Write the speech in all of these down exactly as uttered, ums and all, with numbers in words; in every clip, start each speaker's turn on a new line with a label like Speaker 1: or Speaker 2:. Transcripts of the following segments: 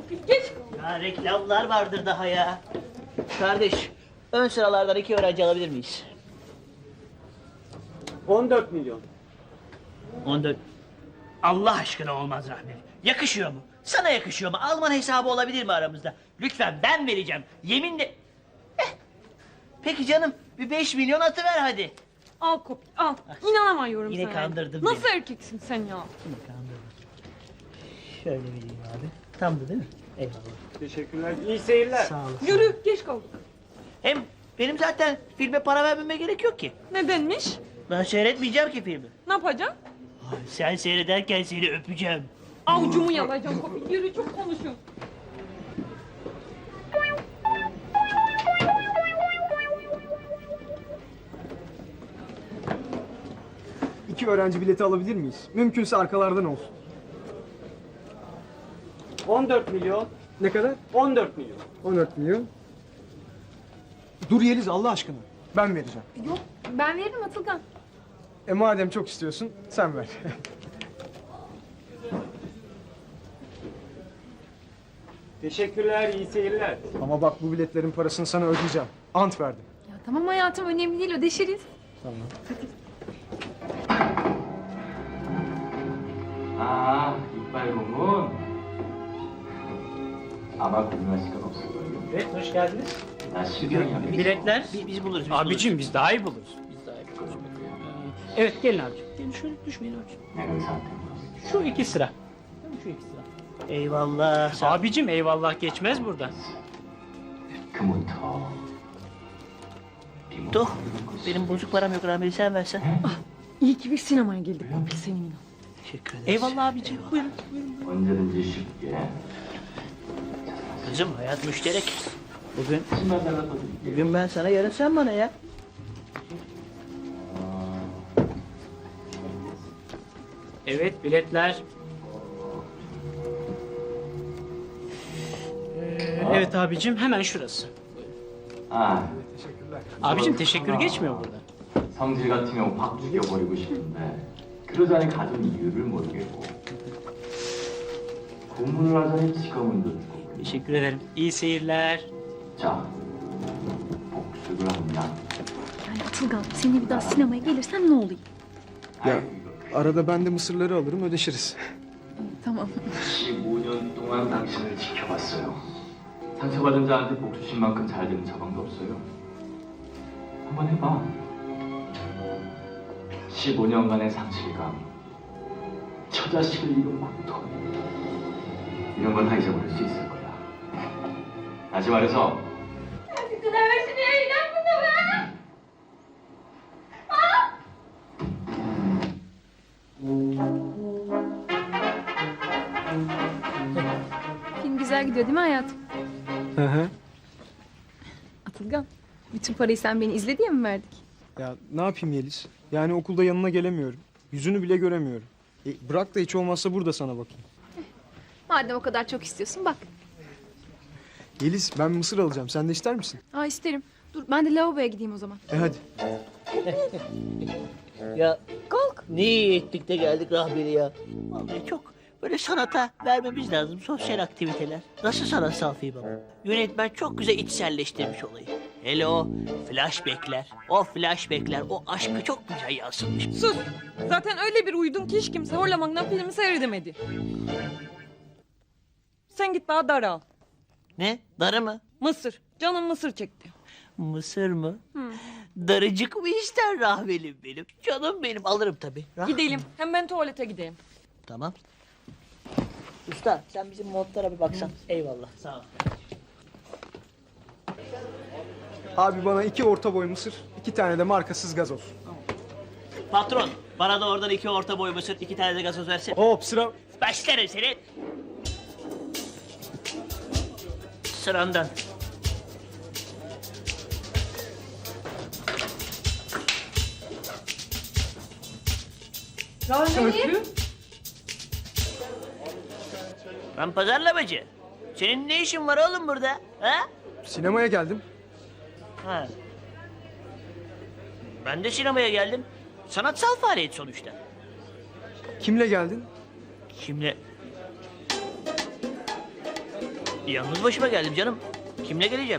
Speaker 1: Kopil geç.
Speaker 2: Ya reklamlar vardır daha ya. Kardeş, ön sıralardan iki öğrenci alabilir miyiz?
Speaker 3: on dört milyon.
Speaker 2: on dört. Allah aşkına olmaz Rahmi. Yakışıyor mu? Sana yakışıyor mu? Alman hesabı olabilir mi aramızda? Lütfen ben vereceğim. Yeminle... Eh. Peki canım, bir beş milyon atıver hadi.
Speaker 1: Al Kopil al. İnanamıyorum
Speaker 2: Yine
Speaker 1: sana.
Speaker 2: kandırdın
Speaker 1: Nasıl
Speaker 2: beni.
Speaker 1: erkeksin sen ya?
Speaker 2: Yine kandırdın. Şöyle vereyim abi. Tamdı değil mi? Eyvallah.
Speaker 3: Teşekkürler. İyi seyirler.
Speaker 2: Sağ olasın.
Speaker 1: Yürü geç kaldık.
Speaker 2: Hem benim zaten filme para vermeme gerek yok ki.
Speaker 1: Nedenmiş?
Speaker 2: Ben seyretmeyeceğim ki filmi.
Speaker 1: Ne yapacaksın?
Speaker 2: Ay, sen seyrederken seni öpeceğim.
Speaker 1: Avucumu yalayacağım Kopil. Yürü çok konuşuyorsun.
Speaker 4: İki öğrenci bileti alabilir miyiz? Mümkünse arkalardan olsun.
Speaker 3: on dört milyon.
Speaker 4: Ne kadar?
Speaker 3: on dört milyon.
Speaker 4: on dört milyon. Dur Yeliz Allah aşkına. Ben vereceğim.
Speaker 5: Yok, ben veririm Atılgan.
Speaker 4: E madem çok istiyorsun sen ver.
Speaker 3: Teşekkürler. İyi seyirler.
Speaker 4: Ama bak bu biletlerin parasını sana ödeyeceğim. Ant verdim.
Speaker 5: Ya tamam hayatım, önemli değil, ödeşiriz.
Speaker 4: Tamam.
Speaker 6: 아, 이빨 고문. 아마 궁금하실 건 없을 거예요.
Speaker 3: Evet, hoş geldiniz.
Speaker 6: 나 실경이
Speaker 3: Biletler.
Speaker 2: Biz, biz buluruz. Biz
Speaker 3: Abicim biz daha iyi buluruz.
Speaker 2: buluruz. Biz daha iyi buluruz.
Speaker 3: Evet, gelin abicim.
Speaker 2: Gelin şöyle düşmeyin abicim.
Speaker 6: 내 의사한테
Speaker 3: Şu iki sıra.
Speaker 2: Şu iki sıra. Eyvallah. Sağ ol.
Speaker 3: Abicim eyvallah geçmez burada.
Speaker 6: 금부터
Speaker 2: Tuh, benim bozuk param yok Rahmi, sen versen.
Speaker 1: İyi ki bir sinemaya geldik Kopil seninle.
Speaker 2: Teşekkür ederiz.
Speaker 3: Eyvallah abicim. Buyurun.
Speaker 6: 언제든지 쉽게
Speaker 2: Kızım hayat müşterek. Bugün,
Speaker 6: 십만 달러 더 드릴게요.
Speaker 2: bugün ben sana, yarın sen bana ya.
Speaker 3: Evet, biletler. Ee, evet abicim, hemen şurası.
Speaker 6: 아,
Speaker 4: Teşekkürler.
Speaker 3: Abicim teşekkür geçmiyor burada.
Speaker 6: 성질 같으면 확 죽여버리고 싶은데 그러자니 가진 이유를 모르겠고 고문을 하자니 직업문도 주고
Speaker 3: Teşekkür ederim. İyi seyirler.
Speaker 6: 자, 복수를 하냐?
Speaker 5: Yani Atılgan, seninle bir daha sinemaya gelirsem ne olayım?
Speaker 4: Ya arada ben de mısırları alırım ödeşiriz.
Speaker 5: Tamam.
Speaker 6: 십오 년 동안 당신을 지켜봤어요. 상처받은 자한테 복수신 만큼 잘 되는 처방도 없어요. 한번 해봐. 십오 년간의 상실감, 처자식을 잃은 고통, 이런 걸 다 잊어버릴 수 있을 거야. 다시 말해서
Speaker 5: Film güzel gidiyor değil mi hayatım?
Speaker 4: Hı hı.
Speaker 5: Atılgan, bütün parayı sen beni izle diye mi verdik?
Speaker 4: Ya ne yapayım Yeliz? Yani okulda yanına gelemiyorum. Yüzünü bile göremiyorum. E, bırak da hiç olmazsa burada sana bakayım.
Speaker 5: Madem o kadar çok istiyorsun bak.
Speaker 4: Yeliz ben mısır alacağım. Sen de ister misin?
Speaker 5: Aa isterim. Dur ben de lavaboya gideyim o zaman.
Speaker 4: E hadi.
Speaker 2: Ya
Speaker 5: Kalk.
Speaker 2: ne iyi ettik de geldik Rahmi'yle ya. Vallahi çok böyle sanata vermemiz lazım, sosyal aktiviteler. Nasıl sanatsal film ama? Yönetmen çok güzel içselleştirmiş olayı. Hele o flashbackler, o flashbackler, o aşkı çok güzel yansıtmış.
Speaker 1: Sus. Zaten öyle bir uydun ki hiç kimse Horlamak'tan filmi seyredemedi. Sen git bana dar al.
Speaker 2: Ne? Darı mı?
Speaker 1: Mısır. Canım mısır çekti.
Speaker 2: Mısır mı? Darıcık mı ister Rahmelim benim? Canım benim, alırım tabii. Rah-
Speaker 1: Gidelim. Hem ben tuvalete gideyim.
Speaker 2: Tamam. Usta sen bizim montlara bir baksan. Eyvallah. Sağ ol.
Speaker 4: Abi bana iki orta boy mısır, iki tane de markasız gazoz.
Speaker 2: Patron, bana da oradan iki orta boy mısır, iki tane de gazoz versin.
Speaker 4: Hop sıra.
Speaker 2: Başlarım seni. Sırandan.
Speaker 1: Rahmi.
Speaker 2: Ben pazarlamacı. Senin ne işin var oğlum burada? Ha?
Speaker 4: Sinemaya geldim.
Speaker 2: Ha. Ben de sinemaya geldim. Sanatsal faaliyet sonuçta.
Speaker 4: Kimle geldin?
Speaker 2: Kimle? Yalnız başıma geldim canım. Kimle geleceğim?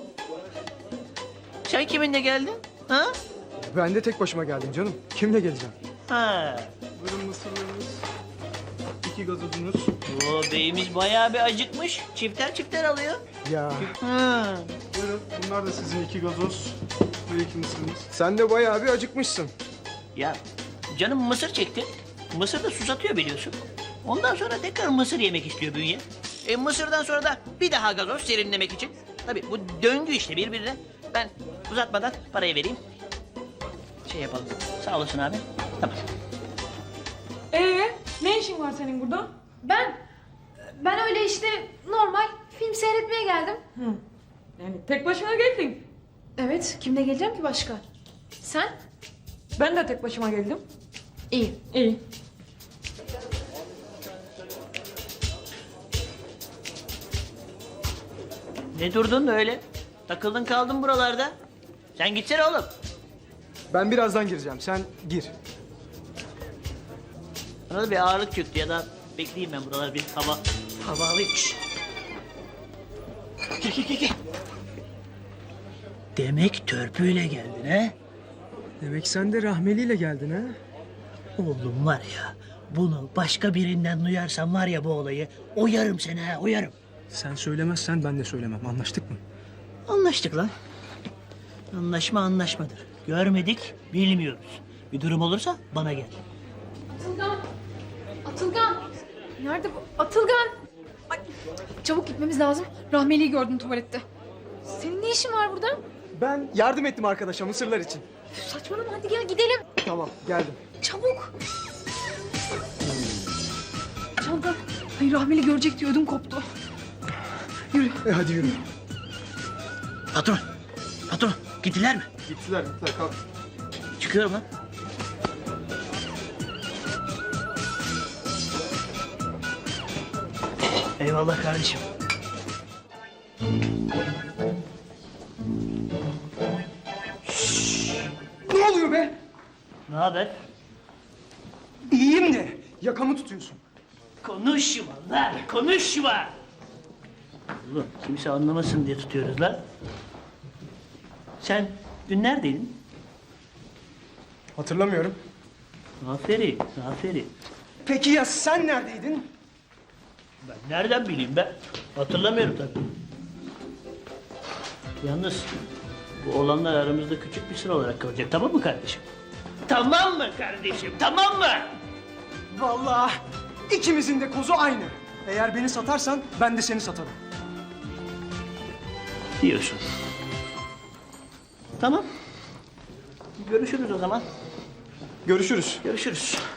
Speaker 2: Sen kiminle geldin? Ha?
Speaker 4: Ben de tek başıma geldim canım. Kimle geleceğim?
Speaker 2: Ha.
Speaker 4: Buyurun mısırlarınız. İki gazozunuz.
Speaker 2: O beyimiz bayağı bir acıkmış. Çifter çifter alıyor.
Speaker 4: Ya.
Speaker 2: Ha.
Speaker 7: Buyurun, bunlar da sizin iki gazoz ve iki mısırınız.
Speaker 4: Sen de bayağı bir acıkmışsın.
Speaker 2: Ya canım mısır çekti. Mısır da susatıyor biliyorsun. Ondan sonra tekrar mısır yemek istiyor bünye. E, mısırdan sonra da bir daha gazoz serinlemek için. Tabii bu döngü işte birbirine. Ben uzatmadan parayı vereyim. Şey yapalım. Sağ olasın abi. Tamam.
Speaker 1: Ee, ne işin var senin burada?
Speaker 5: Ben, ben öyle işte normal film seyretmeye geldim.
Speaker 1: Yani tek başına geldin.
Speaker 5: Evet, kimle geleceğim ki başka? Sen?
Speaker 1: Ben de tek başıma geldim.
Speaker 5: İyi.
Speaker 1: İyi.
Speaker 2: Ne durdun öyle? Takıldın kaldın buralarda. Sen gitsene oğlum.
Speaker 4: Ben birazdan gireceğim. Sen gir.
Speaker 2: Bana da bir ağırlık çöktü ya da bekleyeyim ben buralar bir hava hava alayım. Şşş. Gel gel gel gel. Demek törpüyle geldin ha?
Speaker 4: Demek sen de rahmeliyle geldin ha?
Speaker 2: Oğlum var ya, bunu başka birinden duyarsam var ya bu olayı, oyarım seni ha, oyarım.
Speaker 4: Sen söylemezsen ben de söylemem. Anlaştık mı?
Speaker 2: Anlaştık lan. Anlaşma anlaşmadır. Görmedik, bilmiyoruz. Bir durum olursa bana gel.
Speaker 5: Atılgan. Atılgan. Nerede bu? Atılgan. Ay, çabuk gitmemiz lazım. Rahmeli'yi gördüm tuvalette. Senin ne işin var burada?
Speaker 4: Ben yardım ettim arkadaşa mısırlar için.
Speaker 5: Üf, saçmalama hadi gel gidelim.
Speaker 4: Tamam geldim.
Speaker 5: Çabuk. Çanta. Ay Rahmeli görecek diye ödüm koptu. Yürü.
Speaker 4: E hadi yürü.
Speaker 2: Patron, patron gittiler mi?
Speaker 7: Gittiler, gittiler. Kalk.
Speaker 2: Çıkıyorum lan. Eyvallah kardeşim.
Speaker 4: Ne oluyor be?
Speaker 2: Ne haber?
Speaker 4: İyiyim de. Yakamı tutuyorsun.
Speaker 2: Konuşma lan, konuşma. Oğlum kimse anlamasın diye tutuyoruz lan. Sen dün neredeydin?
Speaker 4: Hatırlamıyorum.
Speaker 2: Aferin, aferin.
Speaker 4: Peki ya sen neredeydin?
Speaker 2: Ben nereden bileyim ben? Hatırlamıyorum tabii. Yalnız bu olanlar aramızda küçük bir sıra olarak kalacak, tamam mı kardeşim? Tamam mı kardeşim, tamam mı?
Speaker 4: Vallahi ikimizin de kozu aynı. Eğer beni satarsan ben de seni satarım.
Speaker 2: Diyorsun. Tamam. Görüşürüz o zaman.
Speaker 4: Görüşürüz.
Speaker 2: Görüşürüz.